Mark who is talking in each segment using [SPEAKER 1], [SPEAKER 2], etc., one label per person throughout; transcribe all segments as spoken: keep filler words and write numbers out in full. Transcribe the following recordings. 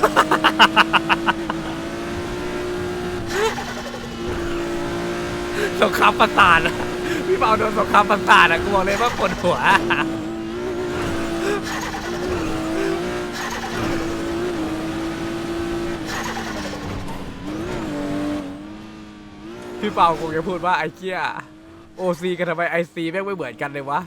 [SPEAKER 1] สงครามประสาทอะพี่เปาโดนสงครามประสาทอะกูบอกเลยว่าปวดหัวพี่เปาคงจะพูดว่าไอ้เกี้ยโอซีกันทำไมไอซีแม่งไม่เหมือนกันเลยวะ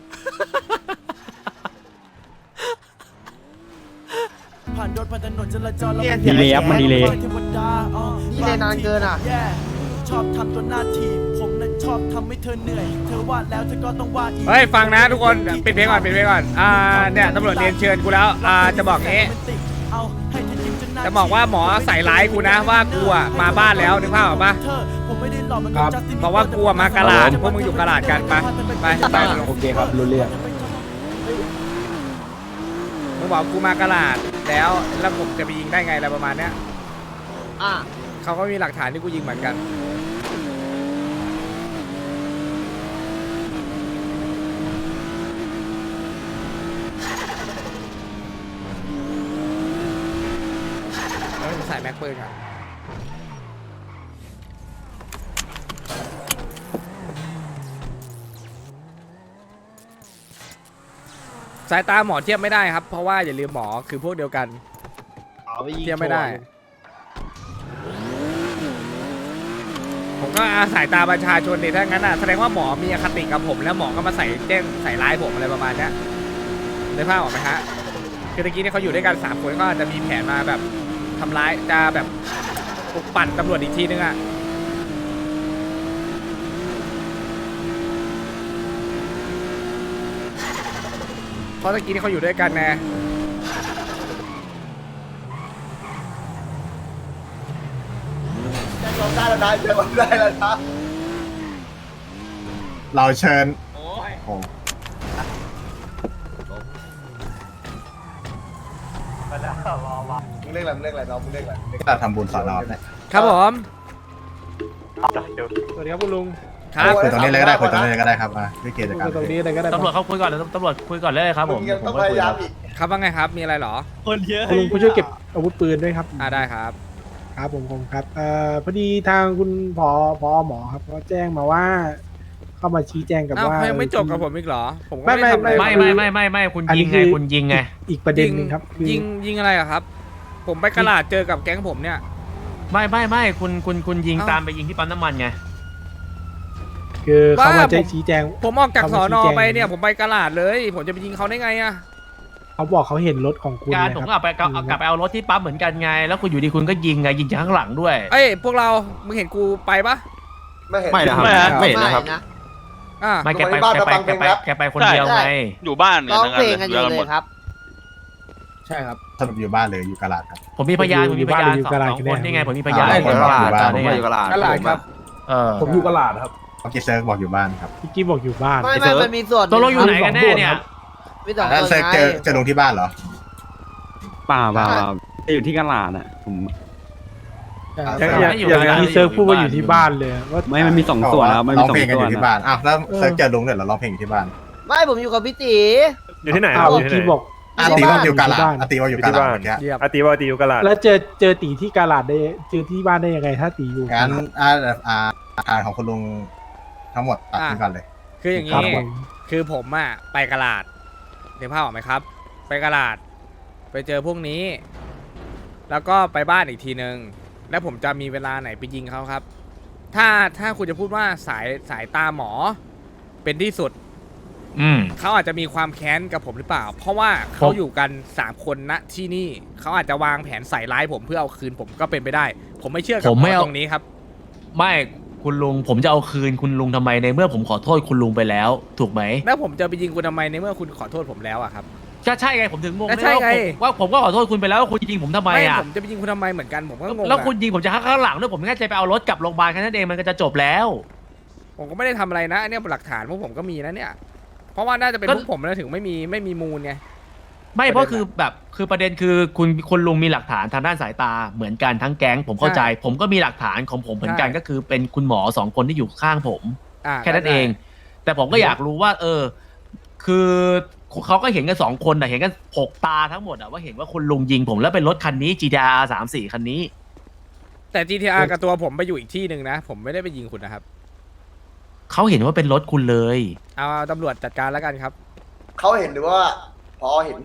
[SPEAKER 2] ดีเลยครับมันดีเลย
[SPEAKER 3] นี่เลยนานเกินอ่ะ
[SPEAKER 4] ชอบทำตัวหน้าทีผมนั้นชอบทำให้เธอเหนื่อยเธอว่าแล้วเธอก็ต้องว่าอีก
[SPEAKER 1] เฮ้ยฟังนะทุกคนปิดเพลงก่อนปิดเพลงก่อนอ่าเนี่ยตำรวจเรียนเชิญกูแล้วอ่าจะบอกงี้จะบอกว่าหมอใส่ร้ายกูนะว่ากูอ่ะมาบ้านแล้วนึกภาพออกปะครับบอกว่ากูมากะลาดพวกมึงอยู่กะลาดกันไปไปไปโอเคครับรู้เรื่องมึงบอกกูมากะลาดแล้วแล้วผมจะไปยิงได้ไงอะไรประมาณเนี้ย
[SPEAKER 3] อ่ะ
[SPEAKER 1] เขาก็มีหลักฐานที่กูยิงเหมือนกันใส่แม็กปืนครับสายตาหมอเทียบไม่ได้ครับเพราะว่าอย่าลืมหมอคือพวกเดียวกันเทียบไม่ได้ผมก็อาศัยตาประชาชนดิถ้างั้นอ่ะแสดงว่าหมอมีอคติกับผมแล้วหมอก็มาใส่แจ้งใส่ร้ายผมอะไรประมาณนี้ได้ภาพออกไหมฮะคือตะกี้นี่เขาอยู่ด้วยกันสามคนก็อาจจะมีแผนมาแบบทำร้ายจะแบบปลุกปั่นตำรวจอีกทีนึงอ่ะเพราะตะกี้นี่เขาอยู่ด้วยกันไง
[SPEAKER 3] ลงได้แล้วนะจะลงได้แล้วนะ
[SPEAKER 2] เราเชิญ
[SPEAKER 3] โอ้ยมาแล้วรอวะมึงเรียกอะไรมึงเรียกอะไรน้องมึงเรียกอะไร
[SPEAKER 2] เราทำบุญสอนเราเนี่ย
[SPEAKER 1] ครับผม
[SPEAKER 5] สวัสดีครับคุณลุง
[SPEAKER 1] ครับ
[SPEAKER 2] คุยตรงนี้เลยก็ได้คุยตรงนี้เลยก็ได้ครับอ่ะพี่เกศจาการ
[SPEAKER 5] ตรงนี้เลยก็ได้
[SPEAKER 6] ตำรวจเขาคุยก่อนตำรวจคุยก่อนเลยครับผม
[SPEAKER 3] ต้องพยายามอีก
[SPEAKER 1] ครับว่าไงครับมีอะไรหรอ
[SPEAKER 5] คนเยอะคุณลุงผู้ช่วยเก็บอาวุธปืนด้วยครับ
[SPEAKER 1] อ่าได้ครับ
[SPEAKER 5] ครับผมผมครับเอ่อพอดีทางคุณผอผอหมอครับเขาแจ้งมาว่าเข้ามาชี้แจงกับว่า
[SPEAKER 1] ยังไม่จบกับผมอีกเหรอผม
[SPEAKER 5] ไม่ไม่ไม่
[SPEAKER 6] ไม่ไม่ไม่ไม่ไม่คุณยิงไงคุณยิงไง
[SPEAKER 5] อีกประเด็นนึงครับ
[SPEAKER 1] ยิงยิงอะไรอะครับผมไปกระลาดเจอกับแก๊งผมเนี่ย
[SPEAKER 6] ไม่ไม่ไม่คุณคุณคุณยิงตามไปยิงที่ปั๊มน้ำมันไง
[SPEAKER 5] คือเขามาจะชี้แจง
[SPEAKER 1] ผมออกจากสอนอไปเนี่ยผมไปกระลาดเลยผมจะไปยิงเขาได้ไงอะ
[SPEAKER 5] เขาบอกเขาเห็นรถของคุณ
[SPEAKER 6] การผมก็ไปกลับไปเอารถที่ปั๊มเหมือนกันไงแล้วคุณอยู่ดีคุณก็ยิงไงยิงจากข้างหลังด้วย
[SPEAKER 1] เอ้ยพวกเรามึงเห็นกูไปปะ
[SPEAKER 3] ไม่เห็น
[SPEAKER 2] ไม่นะครับไม่เห็นนะครับ
[SPEAKER 1] อ่า
[SPEAKER 6] ไม่แกไปแกไปแกไปแกไปคนเดียวไง
[SPEAKER 7] อยู่บ้าน
[SPEAKER 3] ร้องเพลงกันอยู่เลยครับ
[SPEAKER 2] ใช่ครับสรุปอยู่บ้านเลยอยู่กะลาดครับ
[SPEAKER 6] ผมมีพยานผมมีพยานสองคนนี่ไงผมมีพยาน
[SPEAKER 2] ผมอยู่กะลาดผมอยู่กะลาด
[SPEAKER 5] ครับ
[SPEAKER 6] เออ
[SPEAKER 5] ผมอยู่กะลาดครับ
[SPEAKER 2] พี่เซิร์กบอกอยู่บ้านครับ
[SPEAKER 5] พี่กี้บอกอยู่บ้าน
[SPEAKER 3] ไม่ไม่มันมีส่วน
[SPEAKER 6] ตัวเราอยู่ไหนกันแน่เนี่ย
[SPEAKER 3] พี่ต่อ
[SPEAKER 2] เซิร์กเจอเจอลงที่บ้านเหรอ
[SPEAKER 8] ป่าป่าอยู่ที่กะลาดอ่ะผม
[SPEAKER 5] อย่างที่เซิร์ฟพูดว่าอยู่ที่บ้านเลยว่า
[SPEAKER 8] ไม่มันมีสองส่วนครับมันมีสองส่วน
[SPEAKER 2] อยู่ที่บ้านอ้าวแล้วเซิร์ฟเจอลงเนี่ยเราร้องเพลงอยู่ที่บ้าน
[SPEAKER 3] ไม่ผมอยู่กับพี่ตี
[SPEAKER 5] อยู่ที่ไหนครับอยู่ที่บอก
[SPEAKER 2] อาตีว่าอยู่กะลาอาตีว่าอยู่กะลาเมื่อกี้
[SPEAKER 5] อาตีว่าตีอยู่กะลาแล้วเจอเจอตีที่กะลาได้เจอที่บ้านได้ยังไงถ้าตีอยู่
[SPEAKER 2] งั้นอ่าอ่าทางของคุณลุงทั้งหมดตัดทิ้งกันเลย
[SPEAKER 1] คืออย่างนี้คือผมอ่ะไปกะลาดเดี๋ยวภาพออกไหมครับไปกะลาดไปเจอพวกนี้แล้วก็ไปบ้านอีกทีนึงแล้วผมจะมีเวลาไหนไปยิงเขาครับถ้าถ้าคุณจะพูดว่าสายสายตาหมอเป็นที่สุด
[SPEAKER 6] อืม
[SPEAKER 1] เขาอาจจะมีความแค้นกับผมหรือเปล่าเพราะว่าเขาอยู่กันสามคนณที่นี่เขาอาจจะวางแผนใส่ร้ายผมเพื่อเอาคืนผมก็เป็นไปได้ผมไม่เชื่อกับผมตรงนี้ครับ
[SPEAKER 6] ไม่คุณลุงผมจะเอาคืนคุณลุงทำไมในเมื่อผมขอโทษคุณลุงไปแล้วถูกไหม
[SPEAKER 1] แล้วผมจะไปยิงคุณทำไมในเมื่อคุณขอโทษผมแล้วอะครับ
[SPEAKER 6] ก็ใช่ไงผมถึงงง
[SPEAKER 1] ใช่ไง
[SPEAKER 6] ว่าผมก็ขอโทษคุณไปแล้วคุณยิงผมทำไมอ่ะ
[SPEAKER 1] ผมจะไปยิงคุณทำไมเหมือนกันผมก็งง
[SPEAKER 6] แล้วคุณยิงผมจะข้างหลังด้วยผมแค่จะไปเอารถกลับโรงพยาบาลแค่นั้นเองมันก็จะจบแล้ว
[SPEAKER 1] ผมก็ไม่ได้ทำอะไรนะเนี่ยหลักฐานพวกผมก็มีนะเนี่ยเพราะว่าน่าจะเป็นพวกผมนะถึงไม่มีไม่มีมูลไง
[SPEAKER 6] ไม่เพราะคือแบบคือประเด็นคือคุณคุณลุงมีหลักฐานทางด้านสายตาเหมือนกันทั้งแก๊งผมเข้าใจผมก็มีหลักฐานของผมเหมือนกันก็คือเป็นคุณหมอสองคนที่อยู่ข้างผมแค่นั้นเองแต่ผมก็อยากรู้ว่าเออคือเขาก็เห็นกันสองคนนะเห็นกันหกตาทั้งหมดอะว่าเห็นว่าคุณลุงยิงผมแล้วเป็นรถคันนี้ จี ที อาร์ สามสี่คันนี้
[SPEAKER 1] แต่ จี ที อาร์ กับตัวผมไปอยู่อีกที่หนึ่งนะ ผมไม่ได้ไปยิงคุณนะครับ
[SPEAKER 6] เขาเห็นว่าเป็นรถคุณเลย
[SPEAKER 1] เอาตำรวจจัดการแล้วกันครับ
[SPEAKER 3] เขาเห็นหรือว่าพอเห็น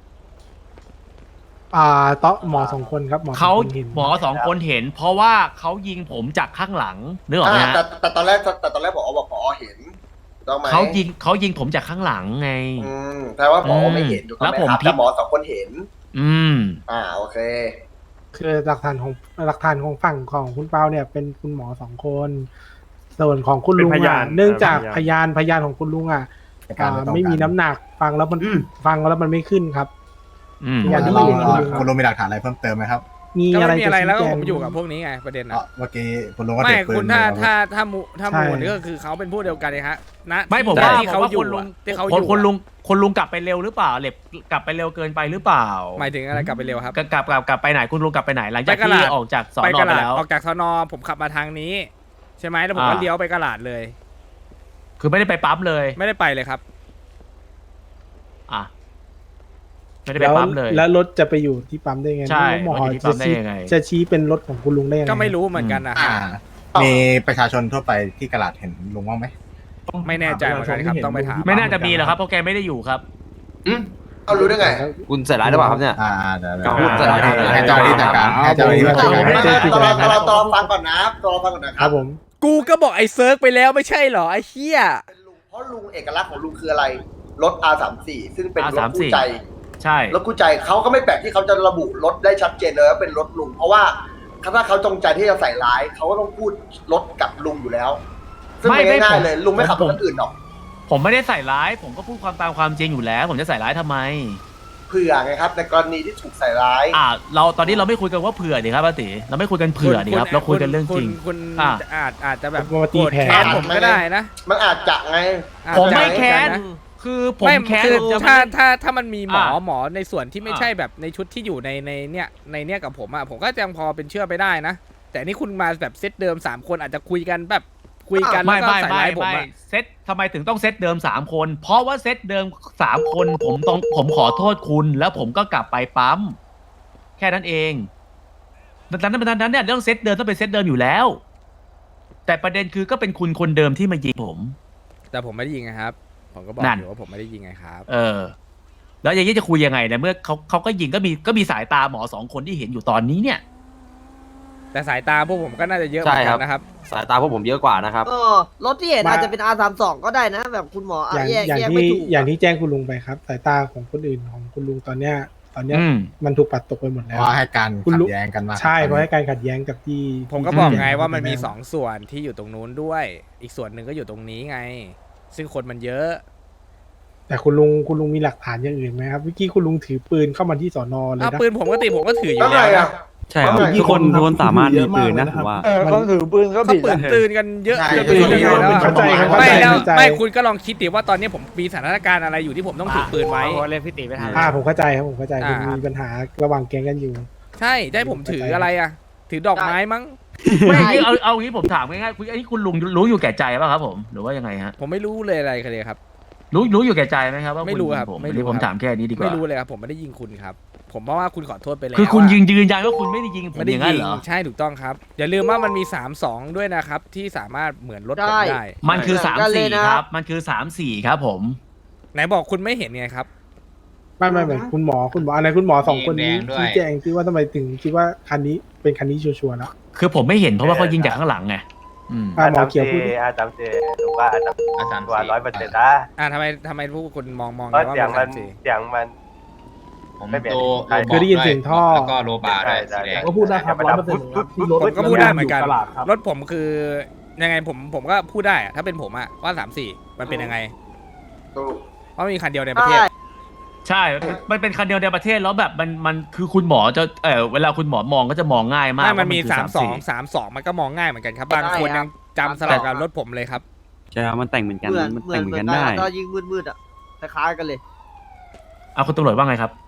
[SPEAKER 5] อ่าโต๊ะหมอสองคนครับหมอสอง
[SPEAKER 6] เขา
[SPEAKER 5] คนเห็น
[SPEAKER 6] หมอสองคนเห็น เพราะว่าเขายิงผมจากข้างหลังนึกออกไหม
[SPEAKER 3] อ่า
[SPEAKER 6] ฮะ
[SPEAKER 3] แต่แต่ตอนแรกแต่ตอนแรกพอบอกพอเห็นถูกต้องไหม
[SPEAKER 6] เขายิงเขายิงผมจากข้างหลังไง
[SPEAKER 3] อืมแต่ว่าพอไม่เห็นถูกต้อง
[SPEAKER 6] แล้ว
[SPEAKER 3] ไหม
[SPEAKER 6] ผม
[SPEAKER 3] ครับ
[SPEAKER 6] พิ
[SPEAKER 3] แต่
[SPEAKER 6] จ
[SPEAKER 3] หมอสองคนเห็น
[SPEAKER 6] อืม
[SPEAKER 3] อ่าโอเค
[SPEAKER 5] คือหลักฐานของหลักฐานของฝั่งของคุณเปาเนี่ยเป็นคุณหมอสองคน ส่วนของคุณลุง
[SPEAKER 7] เป็นพยา
[SPEAKER 5] อ่ะ
[SPEAKER 7] น
[SPEAKER 5] เนื่องจาก
[SPEAKER 7] เออ
[SPEAKER 5] พ
[SPEAKER 7] พ
[SPEAKER 5] ยาย
[SPEAKER 7] าน
[SPEAKER 5] นพยานของคุณลุงอ่ะ
[SPEAKER 2] ในการ
[SPEAKER 5] อ่า
[SPEAKER 2] ไม่ต้อง
[SPEAKER 5] ไม่มี
[SPEAKER 2] การ
[SPEAKER 5] น้ำหนักฟังแล้วมันฟังแล้วมันไม่ขึ้นครับ
[SPEAKER 6] อืม
[SPEAKER 5] อย่างที่
[SPEAKER 2] เรา
[SPEAKER 5] เห็น
[SPEAKER 2] คุณลุงมีหลักฐานอะไรเพิ่มเติมไหมครับ
[SPEAKER 5] มี
[SPEAKER 1] ก็
[SPEAKER 5] อะไร
[SPEAKER 1] ไม่มี
[SPEAKER 5] จะ
[SPEAKER 1] อะไร
[SPEAKER 5] ชี้
[SPEAKER 1] แล้วก็
[SPEAKER 5] แจง
[SPEAKER 1] ผมอยู่กับพวกนี้ไงประเด็น
[SPEAKER 2] เอ่
[SPEAKER 1] นะ
[SPEAKER 2] อเมื่อกี้คุณลุงก็
[SPEAKER 1] ไม่
[SPEAKER 2] ถือปืน
[SPEAKER 1] คุณถ้า
[SPEAKER 2] มา
[SPEAKER 1] ถ้าถ้ามูถ้า
[SPEAKER 5] ใช่
[SPEAKER 1] มูนี่ก็คือเขาเป็นผู้เดียวกันเลยฮะณ
[SPEAKER 6] ไม่ผม
[SPEAKER 1] ที่
[SPEAKER 6] ว่า
[SPEAKER 1] ที่
[SPEAKER 6] ผม
[SPEAKER 1] เขา
[SPEAKER 6] ว่า
[SPEAKER 1] อยู่
[SPEAKER 6] คุณลุง
[SPEAKER 1] อะที่เขาอ
[SPEAKER 6] คน
[SPEAKER 1] ยู่
[SPEAKER 6] คนลุง
[SPEAKER 1] อะ
[SPEAKER 6] คนลุงกลับไปเร็วหรือเปล่าเหล็บกลับไปเร็วเกินไปหรือเปล่า
[SPEAKER 1] หมายถึงอะไรกลับไปเร็วครับ
[SPEAKER 6] กลับกลับกลับกลับไปไหนคุณลุงกลับไปไหนหลังจาก
[SPEAKER 1] ไปกะห
[SPEAKER 6] ที่
[SPEAKER 1] ลาด
[SPEAKER 6] ออกจากสอน
[SPEAKER 1] ไป
[SPEAKER 6] อก
[SPEAKER 1] ระ
[SPEAKER 6] ไป
[SPEAKER 1] ลาด
[SPEAKER 6] แล้ว
[SPEAKER 1] ออกจากสนอผมขับมาทางนี้ ใช่ไหมแล้วผมก็
[SPEAKER 6] อ่า
[SPEAKER 1] เลี้ยวไปกระลาดเลย
[SPEAKER 6] คือไม่ได้ไปปั๊มเลย
[SPEAKER 1] ไม่ได้ไปเลยครับ
[SPEAKER 6] อ่ะไม่ได้ไป
[SPEAKER 5] แล้ว
[SPEAKER 6] ปั๊มเลย
[SPEAKER 5] แล้วรถจะไปอยู่ที่ปั๊มได้ไง
[SPEAKER 6] ใช่
[SPEAKER 5] หมอ
[SPEAKER 6] รถอยู่ที่ปั๊
[SPEAKER 5] จะ
[SPEAKER 6] มได้
[SPEAKER 5] ชี้
[SPEAKER 6] ยังไง
[SPEAKER 5] จะชี้เป็นรถของคุณลุงได้ยังไง
[SPEAKER 1] ก็ไม่รู้เหมือนกันนะ
[SPEAKER 2] อ่า
[SPEAKER 1] ฮะ
[SPEAKER 2] มีประชาชนทั่วไปที่กระลาดเห็นลุงบ้างไหม
[SPEAKER 1] ไม่แน่ใจเหมือนกันครับต้องไปถาม
[SPEAKER 6] ไม่น่าจะมีหรอกครับเพราะแกไม่ได้อยู่ครับ
[SPEAKER 3] เอารู้ได้ไง
[SPEAKER 9] คุณใส่ร้ายหรือเปล่าครับเนี่ย
[SPEAKER 2] อ่าเดี๋ยวเดี๋ยว
[SPEAKER 9] ก็พูดจะได้
[SPEAKER 2] ให้เจ้าหน้าที่จัดการให้เจ้าหน้าที่จัดการ
[SPEAKER 3] ไม่
[SPEAKER 2] ให้
[SPEAKER 3] ไม่
[SPEAKER 2] เจ้าหน้าที่
[SPEAKER 3] ต
[SPEAKER 2] จั
[SPEAKER 3] อ
[SPEAKER 2] ด
[SPEAKER 3] น
[SPEAKER 2] การ
[SPEAKER 3] ตอนตอนฟังก่อนนะตอนฟังก่อนนะค
[SPEAKER 5] ค
[SPEAKER 3] รั
[SPEAKER 5] รั
[SPEAKER 3] บบ
[SPEAKER 5] ผม
[SPEAKER 1] กูก็บอกไอ้เซิร์กไปแล้วไม่ใช่เหรอไอ้เหี้ย
[SPEAKER 3] เพราะลุงเอกลักษณ์ของลุงคืออะไร รถ อาร์ สามสิบสี่ ซึ่งเป็นรถ
[SPEAKER 6] อาร์ สามสิบสี่
[SPEAKER 3] คู่ใจ
[SPEAKER 6] ใช่
[SPEAKER 3] รถคู่ใจเขาก็ไม่แปลกที่เขาจะระบุรถได้ชัดเจนเลยว่าเป็นรถลุง เพราะว่าถ้าเขาจงใจที่จะใส่ร้ายเขาก็ต้องพูดรถกับลุงอยู่แล้ว ซึ่ง
[SPEAKER 6] ไม่
[SPEAKER 3] ไม่
[SPEAKER 6] ไม่
[SPEAKER 3] ง่าย
[SPEAKER 6] ผม
[SPEAKER 3] ๆเลย ลุงไม่ขับร
[SPEAKER 6] ผ
[SPEAKER 3] ถ
[SPEAKER 6] ม
[SPEAKER 3] คันอื่นหรอก
[SPEAKER 6] ผมไม่ได้ใส่ร้าย ผมก็พูดความตามความจริงอยู่แล้ว ผมจะใส่ร้ายทำไม
[SPEAKER 3] เผื่อไงครับ ในกรณีที่ถูกใส่ร้าย
[SPEAKER 6] อ่า เราตอนนี้เราไม่คุยกันว่าเผื่อดิครับป้าติเราไม่คุยกันเผื่อดิครับ เราคุยกันเรื่องจริง
[SPEAKER 1] คุณ
[SPEAKER 6] อ่ะ
[SPEAKER 1] อาจอาจจะแบบ
[SPEAKER 5] มาตี
[SPEAKER 1] โกรธ
[SPEAKER 5] แผล
[SPEAKER 1] แค้นผมก็ได้นะ
[SPEAKER 3] มันอาจจะไง
[SPEAKER 1] อาจ
[SPEAKER 6] ผม
[SPEAKER 1] จะ
[SPEAKER 6] ไม่แค้น
[SPEAKER 1] เหมือกัะ
[SPEAKER 6] คือผม
[SPEAKER 1] ไม่
[SPEAKER 6] แค้น
[SPEAKER 1] คือ
[SPEAKER 6] ผมจะ
[SPEAKER 1] ถ้า
[SPEAKER 6] ไม่
[SPEAKER 1] ถ้าถ้ามันมีหมอ
[SPEAKER 6] อ่ะ
[SPEAKER 1] หมอในส่วนที่ไม่
[SPEAKER 6] อ่ะ
[SPEAKER 1] ใช่แบบในชุดที่อยู่ในในเนี่ยในเนี่ยกับผมอ่ะผมก็ยังพอเป็นเชื่อไปได้นะ แต่นี่คุณมาแบบเซตเดิมสามคนอาจจะคุยกันแบบคุยกันแล้
[SPEAKER 6] ไม่
[SPEAKER 1] วก็
[SPEAKER 6] ไม่
[SPEAKER 1] ใส่
[SPEAKER 6] ไม่
[SPEAKER 1] ร้ายผม
[SPEAKER 6] ไม่
[SPEAKER 1] อ่ะ
[SPEAKER 6] เซตทำไมถึงต้องเซตเดิมสามคน เพราะว่าเซตเดิมสามคนผมต้องผมขอโทษคุณ แล้วผมก็กลับไปปั๊มแค่นั้นเองดังนั้นดังนั้นเนี่ยเรื่องเซตเดิมต้องเป็นเซตเดิมอยู่แล้ว แต่ประเด็นคือก็เป็นคุณคนเดิมที่มายิงผม
[SPEAKER 1] แต่ผมไม่ได้ยิงไงครับ ผมก็บอก
[SPEAKER 6] นั่น
[SPEAKER 1] อยู่ว่าผมไม่ได้ยิงไงครับ
[SPEAKER 6] เออ แล้วอย่างนี้จะคุยยังไงเนี่ยเมื่อเขาเขาก็ยิงก็มีก็มีสายตาหมอสองคนที่เห็นอยู่ตอนนี้เนี่ย
[SPEAKER 1] แต่สายตาพวกผมก็น่าจะเยอะเหมือนกันนะครับ
[SPEAKER 9] สายตาพวกผมเยอะกว่านะครับ
[SPEAKER 10] เออรถที่เห็นอาจจะเป็น อาร์ สามสิบสอง ก็ได้นะ แบบคุณหมอ
[SPEAKER 5] อย่าง
[SPEAKER 10] แยก
[SPEAKER 5] อย่าง
[SPEAKER 10] แยกไม่
[SPEAKER 5] ที่
[SPEAKER 10] ถูก
[SPEAKER 5] อย่างที่แจ้งคุณลุงไปครับ สายตาของคนอื่นของคุณลุงตอนเนี้ย ตอนเนี้ย
[SPEAKER 6] อืม
[SPEAKER 5] มันถูกปัดตกไปหมด
[SPEAKER 2] เพ
[SPEAKER 5] แล้ว
[SPEAKER 2] ราะว่าให้การ
[SPEAKER 5] คุณ
[SPEAKER 2] ขั
[SPEAKER 5] ลุ
[SPEAKER 2] ดแย้งกันมาก
[SPEAKER 5] ใช่เพราะให้การขัดแย้งกับที่
[SPEAKER 1] ผมก็
[SPEAKER 5] ที่
[SPEAKER 1] บอก
[SPEAKER 5] ที่
[SPEAKER 1] ไงว่ามันมี
[SPEAKER 5] แจ้
[SPEAKER 1] สองส่วนที่อยู่ตรงนู้นด้วย อีกส่วนหนึ่งก็อยู่ตรงนี้ไง ซึ่งคนมันเยอะ
[SPEAKER 5] แต่คุณลุงคุณลุงมีหลักฐานอย่างอื่นไหมครับเมื่อกี้คุณลุงถือปืนเข้ามาที่สอนอเลย
[SPEAKER 1] อ้าว
[SPEAKER 5] นะ
[SPEAKER 1] ปืนผมปกติผมก็ถืออยู่
[SPEAKER 3] แล้วไง
[SPEAKER 1] แล้ว
[SPEAKER 3] อ่ะ
[SPEAKER 1] นะ
[SPEAKER 8] ใช่ครับ
[SPEAKER 3] เอาใหม่
[SPEAKER 8] ทุกคนทุกคนสามารถมีปืนนะผมว่า
[SPEAKER 7] เออเขาถือปืนก็
[SPEAKER 1] เขา
[SPEAKER 7] ผิด
[SPEAKER 1] ปืน
[SPEAKER 7] นะ
[SPEAKER 1] ตื่นกันเยอะ
[SPEAKER 2] ใช่
[SPEAKER 1] เกินไปยังไงแล้ว
[SPEAKER 5] เข้าใจครับเข้า
[SPEAKER 1] ไม่
[SPEAKER 5] ใจ
[SPEAKER 1] แล้ว
[SPEAKER 5] เข้าใจ
[SPEAKER 1] ไม่คุณก็ลองคิดดิว่าตอนนี้ผมมีสถานการณ์อะไรอยู่ที่ผมต้องถือปืนไว้
[SPEAKER 6] เล่นพี่ตีไปทาง
[SPEAKER 5] อ่าผมเข้าใจครับผมเข้าใจ
[SPEAKER 1] อ่า
[SPEAKER 5] คุณมีปัญหาระหว่างแก๊งกันอยู่
[SPEAKER 1] ใช่ได้ผมถืออะไรอ่ะ ถือดอกไม้มั้ง
[SPEAKER 6] ไม่เอาเอางี้ผมถามง่ายๆคุณอันนี้คุณลุงรู้อยู่แก่ใจป่ะครับผมหรือว่ายังไงฮะ
[SPEAKER 1] ผมไม่รู้เลยอะไรเลยครับ
[SPEAKER 6] รู้รู้อยู่แก่ใจไหมครับว่า
[SPEAKER 1] ไม่
[SPEAKER 6] คุณ
[SPEAKER 1] รู้
[SPEAKER 6] ยิง
[SPEAKER 1] ครับ
[SPEAKER 6] ผม
[SPEAKER 1] ไม่รู้
[SPEAKER 6] อันนี้ผม
[SPEAKER 1] ครับ
[SPEAKER 6] ถามแค่นี้ดีกว่า
[SPEAKER 1] ไม่รู้เลยครับผมไม่ได้ยิงคุณครับ ผมเพราะว่าคุณขอโทษไปแล้ว
[SPEAKER 6] คือคุณ
[SPEAKER 1] ะ
[SPEAKER 6] ยืนยืนยันว่าคุณไม่ได้ยิงผม
[SPEAKER 1] ไม่ได้
[SPEAKER 6] อย่างนั้น
[SPEAKER 1] ยิง
[SPEAKER 6] เหรอ
[SPEAKER 1] ใช่ถูกต้องครับ อย่าลืมว่ามันมีสามสองด้วยนะครับที่สามารถเหมือนรถผมได้
[SPEAKER 6] มันคือ
[SPEAKER 10] เหมื
[SPEAKER 6] สา
[SPEAKER 10] อน
[SPEAKER 6] ม
[SPEAKER 10] กันเลย
[SPEAKER 6] สี่
[SPEAKER 10] นะ
[SPEAKER 6] ครับ มันคือสามสี่ครับผม
[SPEAKER 1] ไหนบอกคุณไม่เห็นไงครับ
[SPEAKER 5] ไม่ไม่ไม่คุณหมอคุณหมออะไรคุณหมอสองคนนี้
[SPEAKER 9] มีแดงด้วย
[SPEAKER 5] ชี้แจงที่ว่าทำไมถึงคิดว่าคันนี้เป็นคันนี้ชัวร์ๆแล้ว
[SPEAKER 6] คือผมไม่เห็นเพราะว่าเขายิงจากข้างหหลังไงอืม
[SPEAKER 5] อ่าหมอเขียวพูดดิ
[SPEAKER 7] อาจารย์เจรู้ว่าอาจารย์
[SPEAKER 9] อาจารย์
[SPEAKER 7] ตัวร้อยเปอร์เซ็นต์นะ
[SPEAKER 1] อ่าทำไมทำไมพวกคุณมองมอง
[SPEAKER 7] เพราะ
[SPEAKER 1] ว่า
[SPEAKER 7] เสียง
[SPEAKER 1] เป็
[SPEAKER 7] มัน น
[SPEAKER 1] สามสี่
[SPEAKER 7] เสียงมัน
[SPEAKER 9] ผม
[SPEAKER 7] ไม่เปลี่ยน
[SPEAKER 9] โล
[SPEAKER 7] ใช่
[SPEAKER 9] โลบ
[SPEAKER 5] คือได้ยินเสียงท่อ
[SPEAKER 9] แล้วก็โลบาร์ด้วย
[SPEAKER 7] ใช่
[SPEAKER 9] สีแดง
[SPEAKER 7] ก็พูดได้ครับร้อยเปอร์เซ็นต์ครับที่รถ
[SPEAKER 1] ผมก็พูดได้เหมือนกัน รถผมคือยังไงผมผมก็พูดได้อะถ้าเป็นผมอะว่าสามสี่มันเป็นยังไง
[SPEAKER 3] ถูก
[SPEAKER 1] เพราะมีคันเดียวในประเทศ
[SPEAKER 6] ใช่ มันเป็นคันเดียวในประเทศแล้วแบบมันมันคือคุณหมอจะเออเวลาคุณหมอมองก็จะมองง่ายมาก
[SPEAKER 1] ไม่มัน
[SPEAKER 6] ว่
[SPEAKER 1] มี
[SPEAKER 6] คือ
[SPEAKER 1] สามสอง
[SPEAKER 6] สี่
[SPEAKER 1] สามสองมันก็มองง่ายเหมือนกันครับ บางคน
[SPEAKER 10] ได้ครับ
[SPEAKER 1] ยังจำสลับกับรถผมเลยครับ
[SPEAKER 8] ใช่ครับมันแต่งเหมือนกัน
[SPEAKER 10] เหมือน
[SPEAKER 8] มัน
[SPEAKER 10] เหมื
[SPEAKER 8] แต่
[SPEAKER 10] อน
[SPEAKER 8] งเหมื
[SPEAKER 10] เห
[SPEAKER 8] อน
[SPEAKER 10] มือน
[SPEAKER 8] กัน
[SPEAKER 10] กัน
[SPEAKER 8] ได้
[SPEAKER 10] ตอนยิงมืดๆอ่ะคล้ายๆกันเลย
[SPEAKER 6] เอาคุณตำรวจว่าไงครับ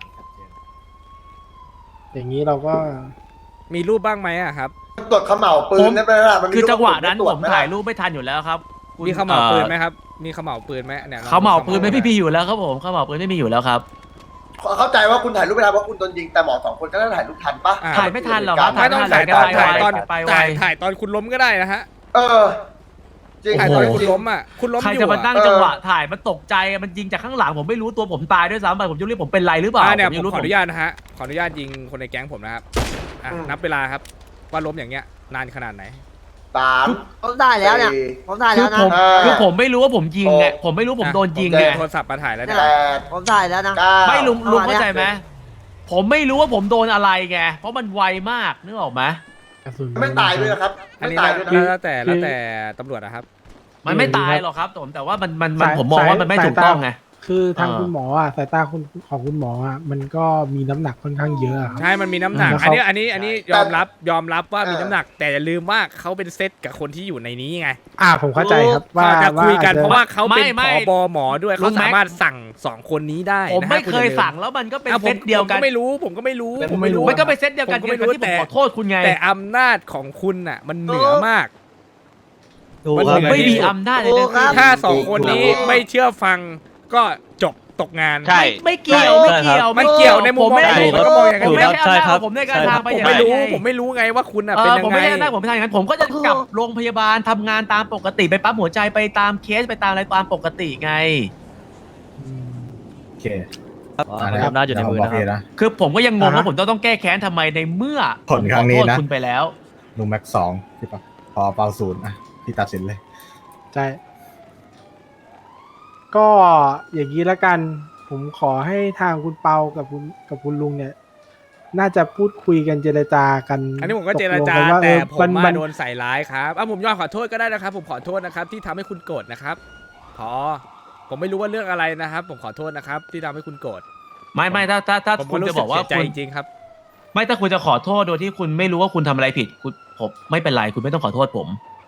[SPEAKER 5] อย่างนี้เราก็
[SPEAKER 1] มีรูปบ้างไหมอะครับ
[SPEAKER 3] ตรวจเขม่าวปืนได้ไหมล่ะมันมี
[SPEAKER 6] คือจังหวะนั้น
[SPEAKER 3] ตร
[SPEAKER 6] ผ
[SPEAKER 3] จ
[SPEAKER 6] ม
[SPEAKER 3] ไหล่ะ
[SPEAKER 6] ถ่ายรูปไม่ทันอยู่แล้วครับคุณ
[SPEAKER 1] มีขม่าวปืนไหมครับ
[SPEAKER 6] เ
[SPEAKER 1] มีขม่าวปืนไหมเนี่ย
[SPEAKER 6] เขาเหมาปืนไม่มีอยู่แล้วครับผมเขาเหมาปืนไม่มีอยู่แล้วครับ
[SPEAKER 3] เข้าใจว่าคุณถ่ายรูปไม่ทันเพราะคุณโดนยิงแต่หมอสองคนก็ได้ถ่ายรูปทันปะ
[SPEAKER 6] ถ่ายไม่ทันหรอกครับ
[SPEAKER 1] ไม่ต้องถ่าย
[SPEAKER 6] ถ่า
[SPEAKER 1] ตอน
[SPEAKER 6] ย
[SPEAKER 1] ถ่ายตอน
[SPEAKER 6] ไปไว
[SPEAKER 1] ถ่ายถ่ายตอนคุณล้มก็ได้นะฮะ
[SPEAKER 3] เออจริง
[SPEAKER 1] ถ่ายตอน
[SPEAKER 6] โอ้โห
[SPEAKER 1] คุณล้มอ่ะคุณล้ม
[SPEAKER 6] ใคร
[SPEAKER 1] อยู่
[SPEAKER 6] จะมา
[SPEAKER 1] อะ
[SPEAKER 6] นั่งจังหวะถ่ายมันตกใจมันยิงจากข้างหลังผมไม่รู้ตัวผมตายด้วยซ้ำไปผมจะเรียกผมเป็นไรหรือเปล่า
[SPEAKER 1] อ่าเนี่ย
[SPEAKER 6] ผม
[SPEAKER 1] ผ
[SPEAKER 6] ยัง
[SPEAKER 1] ม
[SPEAKER 6] รู้
[SPEAKER 1] ขออนุ
[SPEAKER 6] ผม
[SPEAKER 1] ญาตนะฮะขออนุญาตยิงคนในแก๊งผมนะครับอ่ะนับเวลาครับว่าล้มอย่างเงี้ยนานขนาดไหน
[SPEAKER 3] สาม
[SPEAKER 10] ผมได้แล้วเนี่ย
[SPEAKER 3] สี่
[SPEAKER 10] ผมได้
[SPEAKER 6] คื
[SPEAKER 10] แล้
[SPEAKER 6] อ
[SPEAKER 10] วนะ
[SPEAKER 6] ผม
[SPEAKER 3] อ่า
[SPEAKER 6] คือผมไม่รู้ว่าผมยิงไง
[SPEAKER 3] โอ้
[SPEAKER 6] ผมไม่รู้ผมโดนยิง
[SPEAKER 1] ผม
[SPEAKER 6] ไง
[SPEAKER 1] เจอโทรศัพท์มาถ่ายแล้วเนี่ย
[SPEAKER 3] แปด
[SPEAKER 10] ผมได้แล้วนะ
[SPEAKER 3] เก้า
[SPEAKER 6] ไม่ลุงลุงเข้าใจ
[SPEAKER 10] เอามา
[SPEAKER 6] ไหมผมไม่รู้ว่าผมโดนอะไรไงเพราะมันไวมากนึกออกไหม
[SPEAKER 5] กระสุน
[SPEAKER 3] ไม่ตายด้วยนะครับ
[SPEAKER 1] อัน
[SPEAKER 3] ไม่
[SPEAKER 1] นี้
[SPEAKER 3] ตายด้วยนะ
[SPEAKER 1] แล้วแต่แล้วแต่ตำรวจนะครับ
[SPEAKER 6] มันไม่ตายหรอกครับผมแต่ว่ามันมันมันผมมองว่ามันไม่ถูกต้องไง
[SPEAKER 5] คือทาง
[SPEAKER 6] เออ
[SPEAKER 5] คุณหมออ่ะสายตาคุณของคุณหมออ่ะมันก็มีน้ำหนักค่อนข้างเยอะอะครับ
[SPEAKER 1] ใช่มันมีน้ำหนัก
[SPEAKER 5] แล้ว
[SPEAKER 1] อัน
[SPEAKER 5] เขา
[SPEAKER 1] นี้อันนี้อันนี้ยอมรับยอมรับว่ามี
[SPEAKER 3] เออ
[SPEAKER 1] น้ำหนัก แต่อย่าลืมว่าเขาเป็นเซตกับคนที่อยู่ในนี้ไง
[SPEAKER 5] อ่าผมเข้าใจครับว่า
[SPEAKER 1] เขาจะคุยกัน
[SPEAKER 5] อจจ
[SPEAKER 1] เพราะว่าเขาเป็น
[SPEAKER 6] ไม่ไม่
[SPEAKER 1] ผบหมอด้วย
[SPEAKER 6] ลุ
[SPEAKER 1] เขา
[SPEAKER 6] งแม็ก
[SPEAKER 1] สามารถสั่งสองคนนี้ได้
[SPEAKER 6] ผม
[SPEAKER 1] นะฮะ
[SPEAKER 6] ไม่
[SPEAKER 1] คุณ
[SPEAKER 6] เคย
[SPEAKER 1] อาลื
[SPEAKER 6] สั่งแล้วมันก็เป็น
[SPEAKER 1] อ่ะผ
[SPEAKER 6] เซ
[SPEAKER 1] ม
[SPEAKER 6] ตเดียว
[SPEAKER 1] ผม
[SPEAKER 6] กัน
[SPEAKER 1] ก็ไม่รู้ผมก็ไม่รู้
[SPEAKER 5] ผมไม่รู้
[SPEAKER 6] มันก็เป็นเซตเดียวกัน
[SPEAKER 1] ผมก็
[SPEAKER 6] เกี่ยว
[SPEAKER 1] ไม่
[SPEAKER 6] กับ
[SPEAKER 1] รู้
[SPEAKER 6] ที่ผม
[SPEAKER 1] แต่
[SPEAKER 6] ขอโทษคุณไง
[SPEAKER 1] แต่อำนาจของคุณน่ะ มันเหนือมาก มัน
[SPEAKER 6] ผม
[SPEAKER 1] เหนือ
[SPEAKER 6] ไม่มี
[SPEAKER 1] ที่สุด
[SPEAKER 6] อำนาจเลย
[SPEAKER 10] โอ้
[SPEAKER 6] นะครับ
[SPEAKER 10] บ
[SPEAKER 1] ถ้าสองคนนี้ไม่เชื่อฟังก็จบตกงาน
[SPEAKER 9] ใช่
[SPEAKER 6] ไม่เกี่ยวไม่เกี่ยว
[SPEAKER 1] มันเกี่ยวในมุมมอง
[SPEAKER 6] ผไม่ได้
[SPEAKER 1] ผมก็มองอย่างนั้น
[SPEAKER 6] ผมไม่ใช่อำนาจของผมในการทาง
[SPEAKER 1] ผ
[SPEAKER 6] ไป
[SPEAKER 1] ม
[SPEAKER 6] อย่าง
[SPEAKER 1] ไม่
[SPEAKER 6] นั้น
[SPEAKER 1] รู้
[SPEAKER 6] ไง
[SPEAKER 1] ผมไม่รู้ไงว่าคุณน่ะ
[SPEAKER 6] เอ
[SPEAKER 1] เป็น
[SPEAKER 6] อ
[SPEAKER 1] ยัง
[SPEAKER 6] ผม
[SPEAKER 1] ไง
[SPEAKER 6] ไม่ใช่อำนาจผมไม่ใช่อย่างนั้นผมก็จะกลับโรงพยาบาลทำงานตามปกติไปปั๊มหัวใจไปตามเคสไปตามอะไรตามปกติไง
[SPEAKER 5] อืม
[SPEAKER 2] โอเค
[SPEAKER 8] อำนาจอยู่ในมือนะครับ
[SPEAKER 2] นะ
[SPEAKER 6] คือผมก็ยังงง
[SPEAKER 5] อ่าฮะ
[SPEAKER 6] ว่าผมต้องต้องแก้แค้นทำไมในเมื่อ
[SPEAKER 2] ผลครั้งนี้
[SPEAKER 6] ผมขอโทษ
[SPEAKER 2] นะ
[SPEAKER 6] คุณไปแล้ว
[SPEAKER 2] ลุงแม็กสองพี่ปะพอเปาศูนย์อ่ะพี่ตัดสินเลย
[SPEAKER 5] ใช่ ก็อย่างนี้ละกัน ผมขอให้ทางคุณเปากับคุณกับคุณลุงเนี่ย น่าจะพูดคุยกันเจรจากัน
[SPEAKER 1] อันนี้ผมก็เจรจา
[SPEAKER 5] ตกลงกันว่า
[SPEAKER 1] แต่
[SPEAKER 5] เออ
[SPEAKER 1] ผม
[SPEAKER 5] มัน
[SPEAKER 1] มา
[SPEAKER 5] มัน
[SPEAKER 1] โดนใส่ร้ายครับอ่ะผมยอมขอโทษก็ได้นะครับ ผมขอโทษนะครับ ที่ทำให้คุณโกรธนะครับพอผมไม่รู้ว่าเรื่องอะไรนะครับ ผมขอโทษนะครับ ที่ทำให้คุณโกรธ
[SPEAKER 6] ไม่ไม่ถ้าถ้าถ้า
[SPEAKER 1] ผม
[SPEAKER 6] คุณ
[SPEAKER 1] รู้
[SPEAKER 6] จะ
[SPEAKER 1] สึ
[SPEAKER 6] บอกว่า
[SPEAKER 1] เสียใจ
[SPEAKER 6] คุณ
[SPEAKER 1] จริงๆครับ
[SPEAKER 6] ไม่ถ้าคุณจะขอโทษโดยที่คุณไม่รู้ว่าคุณทำอะไรผิดคุณผมไม่เป็นไรคุณไม่ต้องขอโทษผม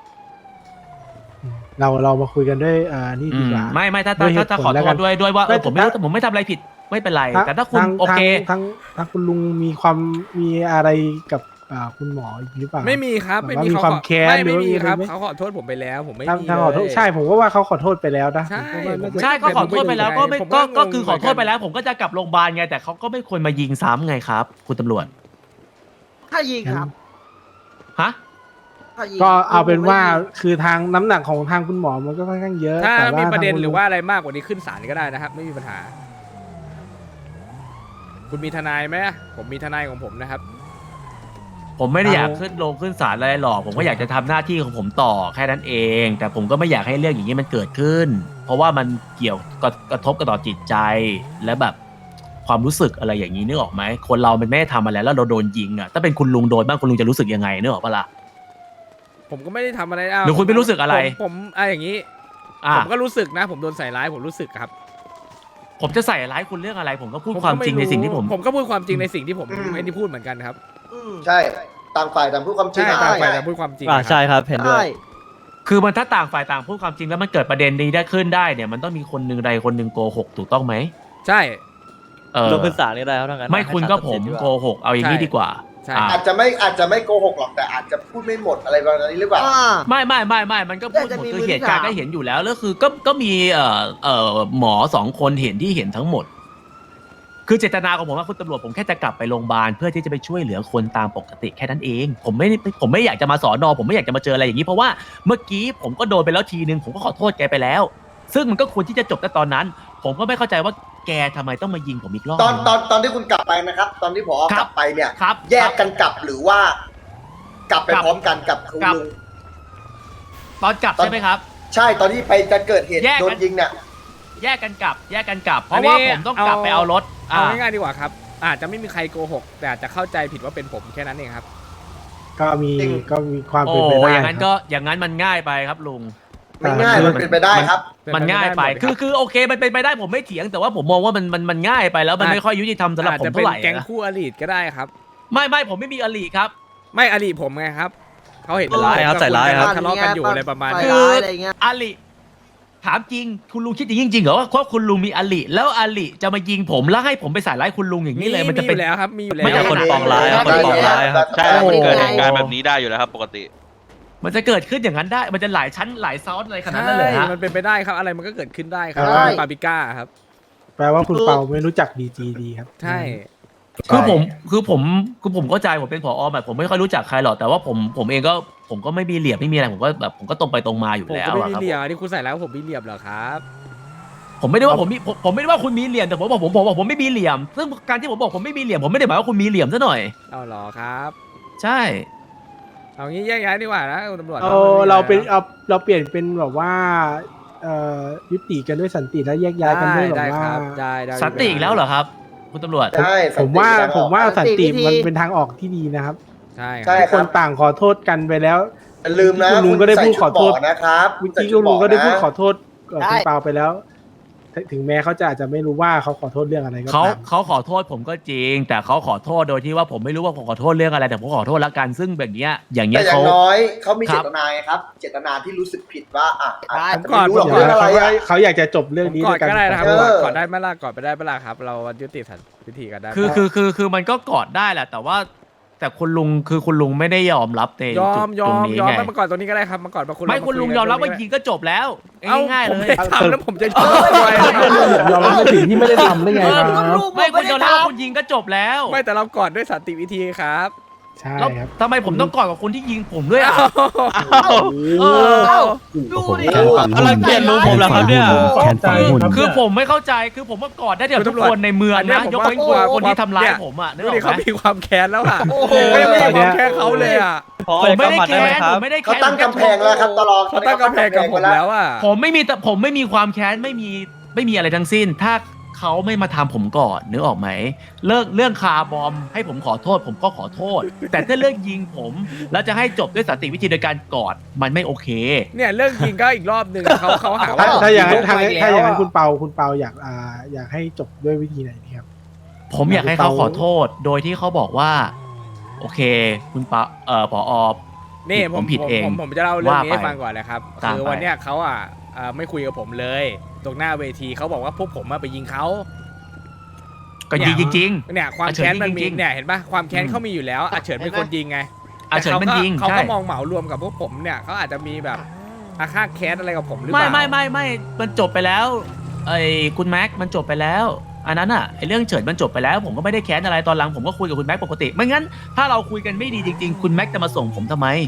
[SPEAKER 5] เราเรามาคุยกันด้วยเอ่อนี่
[SPEAKER 6] อื
[SPEAKER 5] ดี
[SPEAKER 6] ม
[SPEAKER 5] กว่า
[SPEAKER 6] ไม่ไม่ถ้า
[SPEAKER 5] ด้
[SPEAKER 6] ถ้า
[SPEAKER 5] วยเห
[SPEAKER 6] ถ้า
[SPEAKER 5] ตุ
[SPEAKER 6] ถ้า
[SPEAKER 5] ผล
[SPEAKER 6] ขอ
[SPEAKER 5] แล้ว
[SPEAKER 6] โท
[SPEAKER 5] กั
[SPEAKER 6] ษ
[SPEAKER 5] น
[SPEAKER 6] ด้วยด้วยว่าเอ
[SPEAKER 5] ไม่
[SPEAKER 6] อผมไม่รู้
[SPEAKER 5] ถ้า
[SPEAKER 6] ผมไม่ทำอะไรผิดไม่เป็นไร แต่ถ้าคุณ
[SPEAKER 5] ทง
[SPEAKER 6] โอเค
[SPEAKER 5] ทางทางคุณลุงมีความมีอะไรกับอ่าคุณหมออีกหรือเปล่า
[SPEAKER 1] ไม่มีครับ
[SPEAKER 5] แบบ
[SPEAKER 1] ไม่
[SPEAKER 5] ว่า
[SPEAKER 1] มี
[SPEAKER 5] มี
[SPEAKER 1] เขา
[SPEAKER 5] ความ
[SPEAKER 1] ขอ
[SPEAKER 5] แค้น
[SPEAKER 1] ไม่
[SPEAKER 5] หรือ
[SPEAKER 1] ไม่
[SPEAKER 5] ว่า
[SPEAKER 1] มี
[SPEAKER 5] มีอะไร
[SPEAKER 1] ครับ
[SPEAKER 5] ไหม
[SPEAKER 1] เขาขอโทษผมไปแล้ว ผมไม่
[SPEAKER 5] ทาง
[SPEAKER 1] มี
[SPEAKER 5] ทางขอโทษ
[SPEAKER 1] เลย
[SPEAKER 5] ใช่ผมก็ว่าเขาขอโทษไปแล้วนะ
[SPEAKER 1] ใช่
[SPEAKER 5] ผมก็ว่าน่าจะ
[SPEAKER 6] ใช่ก็ขอโทษไปแล้วก็ไม่
[SPEAKER 1] ผมก็
[SPEAKER 6] ก็
[SPEAKER 1] งง
[SPEAKER 6] ก็คือขอโทษไปแล้ว ผมก็จะกลับโรงพยาบาลไงแต่เขาก็ไม่ควรมายิงซ้ำไงครับ คุณตำรวจ
[SPEAKER 10] ถ้ายิงครับ
[SPEAKER 6] ฮะ
[SPEAKER 10] ถ้ายิง
[SPEAKER 5] ก็เอาเป็นว่า
[SPEAKER 10] ผมไม่ยิง
[SPEAKER 5] คือทางน้ำหนักของทางคุณหมอมันก็ค่อนข้างเยอะ
[SPEAKER 1] ถ้า
[SPEAKER 5] แต่
[SPEAKER 1] มีประเด็น
[SPEAKER 5] ทงคุณ
[SPEAKER 1] หรือ
[SPEAKER 5] ลุง
[SPEAKER 1] ว่าอะไรมากกว่านี้ขึ้นศาลก็ได้นะครับ ไม่มีปัญหา คุณมีทนายไหมผมมีทนายของผมนะครับ
[SPEAKER 6] ผมไม่ได้อยากขึ้นลงขึ้นศาลอะไรหรอก ผมก็อยากจะทำหน้าที่ของผมต่อแค่นั้นเอง แต่ผมก็ไม่อยากให้เรื่องอย่างนี้มันเกิดขึ้น เพราะว่ามันเกี่ยวกระกระทบกระต่อจิตใจและแบบความรู้สึกอะไรอย่างนี้นึกออกไหมคนเรามันไม่ได้ทำอะไรแล้วเราโดนยิงอ่ะถ้าเป็นคุณลุงโดนบ้างคุณลุงจะรู้สึกยังไงนึกออกปะล่ะ
[SPEAKER 1] ผมก็ไม่ได้ทำอะไรอ้าว
[SPEAKER 6] หรือคุณไม่รู้สึกอะไร
[SPEAKER 1] ผมผมอ่ะอย่างนี้
[SPEAKER 6] อ่ะ
[SPEAKER 1] ผมก็รู้สึกนะ ผมโดนใส่ร้ายผมรู้สึกครับ
[SPEAKER 6] ผมจะใส่ร้ายคุณเรื่องอะไร ผมก็พูด
[SPEAKER 1] ผม
[SPEAKER 6] ความ
[SPEAKER 1] ก็ไ
[SPEAKER 6] จริงในสิ่งที่ผม
[SPEAKER 1] ผมก็พูดความจริงในสิ่งที่ผม
[SPEAKER 3] อืม
[SPEAKER 1] ไม่ได้พูดเหมือนกันครับ
[SPEAKER 10] อืม
[SPEAKER 3] ใช่ต่างฝ่ายต่างพูดความจริง
[SPEAKER 1] ใช่ต่างฝ่าย
[SPEAKER 3] ได้
[SPEAKER 1] ต่างพูดความจริง
[SPEAKER 8] อ่าใช่ครับเห็นด้ว
[SPEAKER 10] ใช่
[SPEAKER 8] ย
[SPEAKER 6] คือมันถ้าต่างฝ่ายต่างพูดความจริงแล้วมันเกิดประเด็นนี้ได้ขึ้นได้เนี่ยมันต้องมีคนหนึ่งใดคนหนึ่งโกหกถูกต้องไหม
[SPEAKER 1] ใช่
[SPEAKER 6] เออ
[SPEAKER 8] ลงขึ้นศาลนี่ได้ครับทั้งนั้น
[SPEAKER 6] ไม่คุณก็ผมโกหกเอาอย่างนี้
[SPEAKER 1] ใช่
[SPEAKER 6] ดีกว่า
[SPEAKER 1] ใช่
[SPEAKER 6] อ่ะ
[SPEAKER 3] อาจจะไม่อาจจะไม่โกหกหรอกแต่อาจจะพูดไม่หมดอะไรประมาณนี้หรือเปล่า
[SPEAKER 10] อ่า
[SPEAKER 6] ไม่ไม่ไม่ไม่มันก็พูด
[SPEAKER 10] แต่จะ
[SPEAKER 6] หมด
[SPEAKER 10] มี
[SPEAKER 6] คือ
[SPEAKER 10] มือ
[SPEAKER 6] เห
[SPEAKER 10] ที่
[SPEAKER 6] ตุการณ์
[SPEAKER 10] สาม
[SPEAKER 6] ก็เห็นอยู่แล้วแล้วคือก็ก็มีเอ่อเอ่อหมอสองคนเห็นที่เห็นทั้งหมด คือเจตนาของผมว่าคุณตำรวจผมแค่จะกลับไปโรงพยาบาลเพื่อที่จะไปช่วยเหลือคนตามปกติแค่นั้นเอง ผมไม่ผมไม่อยากจะมาสอนอผมไม่อยากจะมาเจออะไรอย่างนี้เพราะว่าเมื่อกี้ผมก็โดนไปแล้วทีนึงผมก็ขอโทษแกไปแล้ว ซึ่งมันก็ควรที่จะจบแต่ตอนนั้น ผมก็ไม่เข้าใจว่าแกทำไมต้องมายิงผมอีกรอบ
[SPEAKER 3] ตอนตอนตอนที่คุณกลับไปนะครับ ตอนที่ผอ
[SPEAKER 6] ค
[SPEAKER 3] ก
[SPEAKER 6] รั
[SPEAKER 3] ลั
[SPEAKER 6] บ
[SPEAKER 3] บไปเนี่ย
[SPEAKER 6] ครับ
[SPEAKER 3] แยกกันกลับหรือว่า กลับไป
[SPEAKER 6] กลับ
[SPEAKER 3] พร้อมกันกับคุณ
[SPEAKER 6] กลับ
[SPEAKER 3] ลุง
[SPEAKER 6] ตอนกลับใช่ไหมครับ
[SPEAKER 3] ใช่ตอนที่ไปจะเกิดเหตุ
[SPEAKER 6] แยกกัน
[SPEAKER 3] โดนยิงเนี่ย
[SPEAKER 6] แยกกันกลับ แยกกันกลับ เพราะว่าผมต้องกลับไปเอารถ
[SPEAKER 1] เอา
[SPEAKER 6] อ่า
[SPEAKER 1] ง่ายๆดีกว่าครับ อาจจะไม่มีใครโกหก แต่อาจจะเข้าใจผิดว่าเป็นผมแค่นั้นเองครับ
[SPEAKER 5] ก็มี
[SPEAKER 3] จริง
[SPEAKER 5] ก็มีความ
[SPEAKER 6] โอ้
[SPEAKER 5] เป็นไปได้
[SPEAKER 6] อย่างนั้น
[SPEAKER 5] ครับ
[SPEAKER 6] ก็อย่างนั้นมันง่ายไปครับลุง
[SPEAKER 3] ไม่ง่ายมันเป็นไปได้ครับ
[SPEAKER 6] มันง่ายไป คือคือโอเค มันเป็นไปได้ผมไม่เถียง แต่ว่าผมมองว่ามันมันมันง่ายไปแล้วมันไม่ค่อยยุติธรรมสำหรับ
[SPEAKER 1] อาจ
[SPEAKER 6] ผม
[SPEAKER 1] จะเป็
[SPEAKER 6] เท่าน ไหร่
[SPEAKER 1] แก๊ง
[SPEAKER 6] นะ
[SPEAKER 1] คู่อริก็ได้ครับ
[SPEAKER 6] ไม่ไม่ผมไม่มีอลีครับ
[SPEAKER 1] ไม่อริผมไงครับเขาเห็น
[SPEAKER 8] ใส่ร้ายครับใส่ร้ายครับ
[SPEAKER 1] ทะเลาะกันอยู่อะไรประมาณ
[SPEAKER 10] ใส่
[SPEAKER 1] นี้
[SPEAKER 10] ร้ายอะไรเงี้ย
[SPEAKER 6] อลีถามจริงคุณลุงคิดอย่างนี้จริงๆเหรอว่าเพราะคุณลุงมีอลีแล้วอลีจะมายิงผมแล้วให้ผมไปใส่ร้ายคุณลุงอย่างนี้เลยมันจะเป็น
[SPEAKER 1] อยู่แล้วครับมีอยู่แล้ว
[SPEAKER 6] ไม่ใช่
[SPEAKER 8] คนปองร้ายครับคนปองร้ายครับ
[SPEAKER 9] ใช่
[SPEAKER 10] โอ้โห
[SPEAKER 9] มันเกิดเหตุการณ์แบบนี้ได้อยู่แล้วครับปกติ
[SPEAKER 6] มันจะเกิดขึ้นอย่างนั้นได้ มันจะหลายชั้นหลายซ้อนอะไรขนาดนั้นเลยฮะ
[SPEAKER 1] มันเป็นไปได้ครับอะไรมันก็เกิดขึ้นได้ครับ
[SPEAKER 5] ใช่
[SPEAKER 1] ปาปิก้าครับ
[SPEAKER 5] แปลว่าคุณเปาไม่รู้จักดีจีดีครับ
[SPEAKER 1] ใช่
[SPEAKER 6] คือผมคือผมคือผมเข้าใจผมเป็นผอแบบผมไม่ค่อยรู้จักใครหรอกแต่ว่าผมผมเองก็ผมก็ไม่มีเหลี่ยมไม่มีอะไรผมก็แบบผมก็ตรงไปตรงมาอยู่
[SPEAKER 1] ผม
[SPEAKER 6] แล้
[SPEAKER 1] ก็
[SPEAKER 6] ว
[SPEAKER 1] ไม่
[SPEAKER 6] อะ
[SPEAKER 1] มี
[SPEAKER 6] ครับ
[SPEAKER 1] เหลี่ยมอันนี้คุณใส่แล้วผมมีเหลี่ยมเหรอครับ
[SPEAKER 6] ผมไม่ได้ว่าผมมีผมผมไม่ได้ว่าคุณมีเหลี่ยมแต่ผมบอกผมผมบอกผมไม่มีเหลี่ยม ซึ่งการที่ผมบอกผมไม่มีเหลี่ยมผมไม่ได้หมายว่าคุณมีเหลี่ยมซะหน่อย
[SPEAKER 1] เอาเหรอครับ
[SPEAKER 6] ใช่
[SPEAKER 1] เอางี้แยกย้ายดีกว่านะคุณตำรวจ
[SPEAKER 5] เอาเราเป็นเอาเราเปลี่ยนเป็นแบบว่าเอ่อยุติกันด้วยสันติและแยกย้ายกันด้วยแบบ
[SPEAKER 1] ได้
[SPEAKER 5] ว่า
[SPEAKER 1] ครับได้ได้
[SPEAKER 6] สันติอีกแล้วเหรอครับ คุณตำรวจ
[SPEAKER 3] ใช่
[SPEAKER 5] ผมว่า
[SPEAKER 3] สันติ
[SPEAKER 5] ผมว่าสันติ
[SPEAKER 10] สันติวิธี
[SPEAKER 5] มันเป็นทางออกที่ดีนะครับ
[SPEAKER 1] ใช่ค
[SPEAKER 3] ใช่
[SPEAKER 1] รับ
[SPEAKER 5] ทุกคนต่างขอโทษกันไปแล้ว
[SPEAKER 3] อย่าลืมนะ
[SPEAKER 5] คุณลุงก็ได้พูดขอโทษ
[SPEAKER 3] ใส่ชุดหมนะครับ
[SPEAKER 5] เมื่อกี้คุณลุงก็ได้พูดขอ
[SPEAKER 3] ใส่
[SPEAKER 5] โทษกับคุณเปาไปแล้ว ถึงแม้เขาจะอาจจะไม่รู้ว่าเขาขอโทษเรื่องอะไรก็
[SPEAKER 6] เขา
[SPEAKER 5] ตาม
[SPEAKER 6] เขาขอโทษผมก็จริง แต่เขาขอโทษโดยที่ว่าผมไม่รู้ว่าผมขอโทษเรื่องอะไรแต่ผมขอโทษละกันซึ่งแบบเนี้ยอย่าง
[SPEAKER 3] ชุด
[SPEAKER 6] เงี้
[SPEAKER 3] แต่
[SPEAKER 6] ย
[SPEAKER 3] อย่า
[SPEAKER 6] เขา
[SPEAKER 3] งน้อยเขามี
[SPEAKER 6] ครั
[SPEAKER 3] เจ
[SPEAKER 6] บ
[SPEAKER 3] ตนาไงครับ เจตนาที่รู้สึกผิดว่าอ่ะอาจจะ
[SPEAKER 1] ก่อน
[SPEAKER 3] ไม่รู้หรอก
[SPEAKER 5] เดี๋ยว
[SPEAKER 3] เรื่องอะไร
[SPEAKER 5] เขา
[SPEAKER 3] อ่ะ
[SPEAKER 5] เขาอยากจะจบเรื่อง
[SPEAKER 1] ผม
[SPEAKER 5] นี้
[SPEAKER 1] กอ
[SPEAKER 5] ด้ว
[SPEAKER 1] ด
[SPEAKER 5] ยกัน
[SPEAKER 1] ก็ได้นะครับ
[SPEAKER 3] เออ
[SPEAKER 1] กอดได้ไหมล่ะกอดไปได้ไหมล่ะครับ เรายุติสันวิธีกันได้ไหม
[SPEAKER 6] คือคือคือคือมันก็กอดได้แหละแต่ว่าแต่คุณลุงคือคุณลุงไม่ได้ยอมรับใน
[SPEAKER 1] ยอ
[SPEAKER 6] จุ
[SPEAKER 1] ม
[SPEAKER 6] ด
[SPEAKER 1] ยอ
[SPEAKER 6] ตรง
[SPEAKER 1] ม
[SPEAKER 6] นี้
[SPEAKER 1] ยอม
[SPEAKER 6] ไง
[SPEAKER 1] ไม่มากอดตรงนี้ก็ได้ครับมากอดมาคุณ
[SPEAKER 6] ไม่คุณลุงยอมรับว่ายิงก็จบแล้ว
[SPEAKER 1] เอ้า
[SPEAKER 6] ง่ายๆ
[SPEAKER 1] ผม
[SPEAKER 6] เลย
[SPEAKER 1] ไม่ทำแล้วผมจะยอมทำไม
[SPEAKER 5] ยอมรับในสิ่งที่ไม่ได้ทำได้ไงครับ
[SPEAKER 6] ไม่คุณยอมรับว่าคุณยิงก็จบแล้ว
[SPEAKER 1] ไม่แต่เรากอดด้วยสันติวิธีครับ
[SPEAKER 5] ใช่
[SPEAKER 6] แล้ว
[SPEAKER 5] ครับ
[SPEAKER 6] ทำไมผมต้องกอดกับคนที่ยิงผมด้วยอ่ะ
[SPEAKER 10] เออดูดิ
[SPEAKER 8] กำลังเปลี่ยนลุงผมแล้วครับเนี่ยแขนฝังหุ่น
[SPEAKER 6] คือผมไม่เข้าใจคือผมว่ากอดได้เดี๋ยวทุกคนในเมืองนะยกเว้นคนคนที่ทำร้ายผมอ่ะนึก
[SPEAKER 1] ดู
[SPEAKER 6] ออ
[SPEAKER 1] ดิ
[SPEAKER 6] ก
[SPEAKER 1] เขา
[SPEAKER 6] ไหม
[SPEAKER 1] มีความแค้นแล้วอ่ะ
[SPEAKER 10] โอ้โห
[SPEAKER 1] ก็ยังไม่มีความแค้นเขาเลยอ่ะ
[SPEAKER 6] ผมไม่ได้แค้นผมไม่ได้
[SPEAKER 3] เขา
[SPEAKER 6] แค้น
[SPEAKER 3] ตั้งกำแพงแล้วครับตลอด
[SPEAKER 1] เขาตั้งกำแพงกับผมแล้วอ่ะ
[SPEAKER 6] ผมไม่มีแต่ผมไม่มีความแค้นไม่มีไม่มีอะไรทั้งสิ้น ถ้าเขาไม่มาทำผมก่อนนึกออกไหมเลิกเรื่องคาร์บอมให้ผมขอโทษ ผมก็ขอโทษ แต่ถ้าเรื่องยิงผมแล้วจะให้จบด้วยสันติวิธีโดยการกอดมันไม่โอเค
[SPEAKER 1] เนี่ยเรื่องยิงก็อีกรอบหนึ่งเขาเขาหา
[SPEAKER 5] ถ้า
[SPEAKER 1] ว่า
[SPEAKER 5] ถ้าอย่างนั้น
[SPEAKER 1] ผม
[SPEAKER 5] ทาง
[SPEAKER 1] ไป
[SPEAKER 5] ถ้าอย่างนั้น
[SPEAKER 1] แล้ว
[SPEAKER 5] คุณเปาคุณเปาอยากอ่าอยากให้จบด้วยวิธีไหนดีครับ
[SPEAKER 6] ผมอยากให้เขาขอโทษ โดยที่เขาบอกว่า โอเค คุณปะเอ่อผอ
[SPEAKER 1] นี่ผม
[SPEAKER 6] ผมผิดเอง
[SPEAKER 1] ผมผมจะเล่าเรื่องนี้
[SPEAKER 6] ว่าไป
[SPEAKER 1] ให้ฟังก่อนนะครับ
[SPEAKER 6] ตาม
[SPEAKER 1] คือ
[SPEAKER 6] ไป
[SPEAKER 1] วันเนี้ยเขาอ่ะเอ่อไม่คุยกับผมเลย ตรงหน้าเวทีเขาบอกว่าพวกผมมาไปยิงเขา
[SPEAKER 6] ก็ยิงจริง
[SPEAKER 1] เนี่ยความ
[SPEAKER 6] อาเฉิน
[SPEAKER 1] แค้นมัน
[SPEAKER 6] ยิง
[SPEAKER 1] มี
[SPEAKER 6] จริง
[SPEAKER 1] เนี่ยเห็นปะความแค้น
[SPEAKER 6] อืม
[SPEAKER 1] เขามีอยู่แล้วอาเฉินเป็นคนยิงไง
[SPEAKER 6] อาเฉินมันยิง
[SPEAKER 1] เขา
[SPEAKER 6] ใช่
[SPEAKER 1] ก็มองเหมารวมกับพวกผมเนี่ยเขาอาจจะมีแบบอาฆาตแค้นอะไรกับผมหรือเป
[SPEAKER 6] ไม่
[SPEAKER 1] ล่า
[SPEAKER 6] ไม่ไม่ไม่มันจบไปแล้วไอ้คุณแม็กมันจบไปแล้ว อันนั้นอ่ะไอ้เรื่องเฉินมันจบไปแล้ว ผมก็ไม่ได้แค้นอะไรตอนหลังผมก็คุยกับคุณแม็กปกติไม่งั้นถ้าเราคุยกันไม่ดีจริงๆคุณแม็กจะมาส่งผมทำไม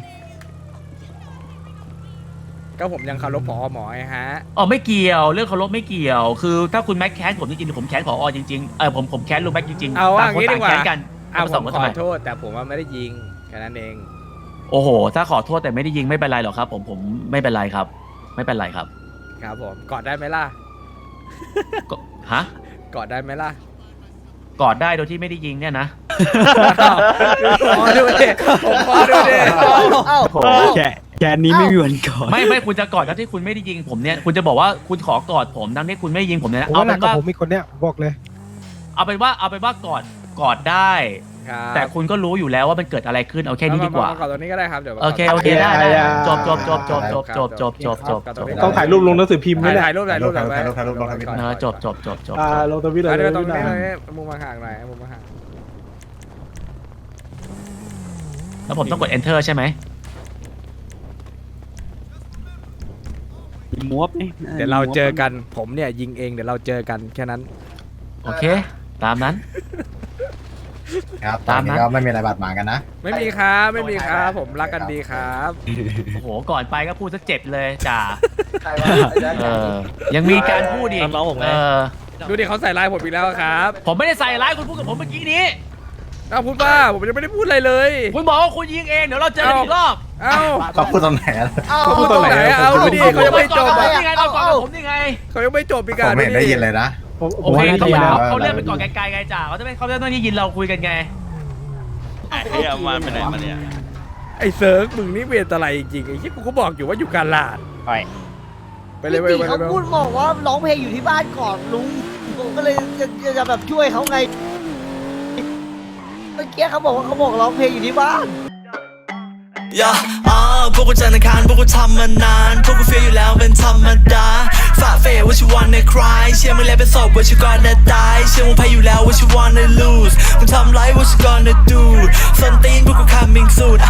[SPEAKER 1] ก็ผมยังเคารพผอหมอไงฮะ
[SPEAKER 6] อ๋อไม่เกี่ยวเรื่องเคารพไม่เกี่ยว คือถ้าคุณแม็กแค้นผมจริงๆผมแค้นผอจริงๆเออผมผมแค้นลุงแม็กจริงๆ
[SPEAKER 1] เอาว่า
[SPEAKER 6] ต่างคน
[SPEAKER 1] งี้ดี
[SPEAKER 6] ต่าง
[SPEAKER 1] กว่า
[SPEAKER 6] แค้นกัน
[SPEAKER 1] อ่ะ
[SPEAKER 6] มา
[SPEAKER 1] ผ
[SPEAKER 6] ส่ง
[SPEAKER 1] ม
[SPEAKER 6] กัน
[SPEAKER 1] ข
[SPEAKER 6] ทำไม
[SPEAKER 1] อโทษแต่ผมว่าไม่ได้ยิงแค่นั้นเอง
[SPEAKER 6] โอ้โห ถ้าขอโทษแต่ไม่ได้ยิงไม่เป็นไรหรอกครับ ผมผมไม่เป็นไรครับ ไม่เป็นไรครับ
[SPEAKER 1] ครับผมกอดได้ไหมล่ะ
[SPEAKER 6] ก็ฮะ
[SPEAKER 1] กอดได้ไหมล่ะ
[SPEAKER 6] กอดได้โดยที่ไม่ได้ยิงเนี่ยนะ
[SPEAKER 1] พอดูดิผมพอดูดิ
[SPEAKER 10] เอ้า
[SPEAKER 8] แค่แค่นี้ไม่มีวันก่อน
[SPEAKER 6] ไม่ไม่คุณจะกอดทั้งที่คุณไม่ได้ยิงผมเนี่ยคุณจะบอกว่าคุณขอกอดผมทั้งที่คุณไม่ได้ยิงผมเนี่ยนะ
[SPEAKER 5] ผม
[SPEAKER 6] เอา
[SPEAKER 5] ว่าหนั
[SPEAKER 6] เป็
[SPEAKER 5] ก
[SPEAKER 6] น
[SPEAKER 5] กับ
[SPEAKER 6] ว่า
[SPEAKER 5] ผมมีคนเนี้ยบอกเลย
[SPEAKER 6] เอาเป็นว่าเอาเป็นว่ากอดกอดได้
[SPEAKER 1] ครับ
[SPEAKER 6] แต่คุณก็รู้อยู่แล้วว่ามันเกิดอะไรขึ้นเอาแค่นี้ดีกว่า
[SPEAKER 1] มมมกอดตรงนี้ก็ได้ครับเดี๋ยว
[SPEAKER 6] โอเคโอเคได้ได้
[SPEAKER 5] อย่า
[SPEAKER 6] จบจบจบจบจบจบจบจบจบจบ
[SPEAKER 5] ต้องถ่ายรูปลงหนังสือพิมพ์ไหม
[SPEAKER 1] ถ่าย
[SPEAKER 5] เนี่ย
[SPEAKER 1] ถ่ายรูปถ่ายรูป
[SPEAKER 2] ถ่ายรูปถ่ายรูปถ่ายรูปลงทวิต
[SPEAKER 6] เออจบจบจบจบ
[SPEAKER 5] อ่าลงทวิตเลย
[SPEAKER 1] เดี๋ยวตรง
[SPEAKER 5] นะ
[SPEAKER 1] นี้เลยมุมมาห่างหน่อยมุมมาห่าง
[SPEAKER 6] แล้วผมต้องกด enter ใช่ไหม
[SPEAKER 8] มวบนี่
[SPEAKER 1] เดี๋ยวเราเจอกันผมเนี่ยยิงเองเดี๋ยวเราเจอกันแค่นั้น
[SPEAKER 6] โอเค ตามนั้น
[SPEAKER 2] ครับต
[SPEAKER 6] ตา
[SPEAKER 2] อน
[SPEAKER 6] ม
[SPEAKER 2] นี้
[SPEAKER 6] นั้น
[SPEAKER 2] ก็ไม่มีอะไรบาดหมางกันนะ
[SPEAKER 1] ไม่มีครับไม่มีครับผมรักกันดีครับ
[SPEAKER 6] โอ้โหก่อนไปก็พูดซะเจ็บเลยจ่า
[SPEAKER 3] ใครวะไอ้แจ๊ค
[SPEAKER 6] เออยังมีการพูดอีก
[SPEAKER 7] น้องผมไง
[SPEAKER 6] เออ
[SPEAKER 1] ดูดิเขาใส่ร้ายผมอีกแล้วครับ
[SPEAKER 6] ผมไม่ได้ใส่ร้ายคุณพูดกับผมเมื่อกี้นี้
[SPEAKER 1] อ้าวพูดว่าผมยังไม่ได้พูดอะไรเลย
[SPEAKER 6] คุณบอกว่าคุณยิงเองเดี๋ยวเราเจอกันอีกรอบ
[SPEAKER 1] เอ้า
[SPEAKER 2] เขาพูดตรงไหนอะ
[SPEAKER 10] เอ้า
[SPEAKER 1] เขาพูดตรงไหนอะเอาดูดิเขายังไม่จบ
[SPEAKER 6] ผม
[SPEAKER 1] อ่ะ
[SPEAKER 6] นี่ไงเราก่อนกับผมนี่ไง
[SPEAKER 1] เขายังไม่จบอีก
[SPEAKER 2] ผ
[SPEAKER 1] อ่ะ
[SPEAKER 2] มไม่เห็นได้ยินเลยนะ
[SPEAKER 5] ผมผ
[SPEAKER 6] โอ
[SPEAKER 5] ม
[SPEAKER 6] เค
[SPEAKER 5] ว่าน่า
[SPEAKER 6] เขา
[SPEAKER 5] จะ
[SPEAKER 6] ไม่
[SPEAKER 5] แล้ว
[SPEAKER 6] เขาเลื่อนไปก่อนไกลๆไงจ่าเขาจะไม่เขาจะไม่ได้ยินเราคุยกันไง
[SPEAKER 7] เฮ้ยเอามาไปไหนมาเนี่ย
[SPEAKER 1] ไอ้เซิร์กมึงนี่เวรอะไรจริงๆไอ้ที่กูก็บอกอยู่ว่าอยู่กาลาด
[SPEAKER 7] ไป
[SPEAKER 1] ไปเลยไป
[SPEAKER 10] พี่
[SPEAKER 1] เลย
[SPEAKER 10] ตีเขา
[SPEAKER 1] ไปเลย
[SPEAKER 10] พูดบอกว่าร้องเพลงอยู่ที่บ้านก่อนลุงผมก็เลยจะจะจะแบบช่วยเขาไงเมื่อกี้เขาบอกว่าเขาบอกร้องเพลงอยู่ที่บ้าน
[SPEAKER 4] ย่าอ่าพวกกูจันทร์อังคารพวกกูทำมานาน พวกกูเฟียอยู่แล้วเป็นธรรมดาฝ่าเฟย what you wanna cry เชื่อมึงแล้วเป็นศพ what you gonna die เชื่อมึงแพ้อยู่แล้ว what you wanna lose มึงทำไร what you gonna do ส้นตีนพวกกู coming soon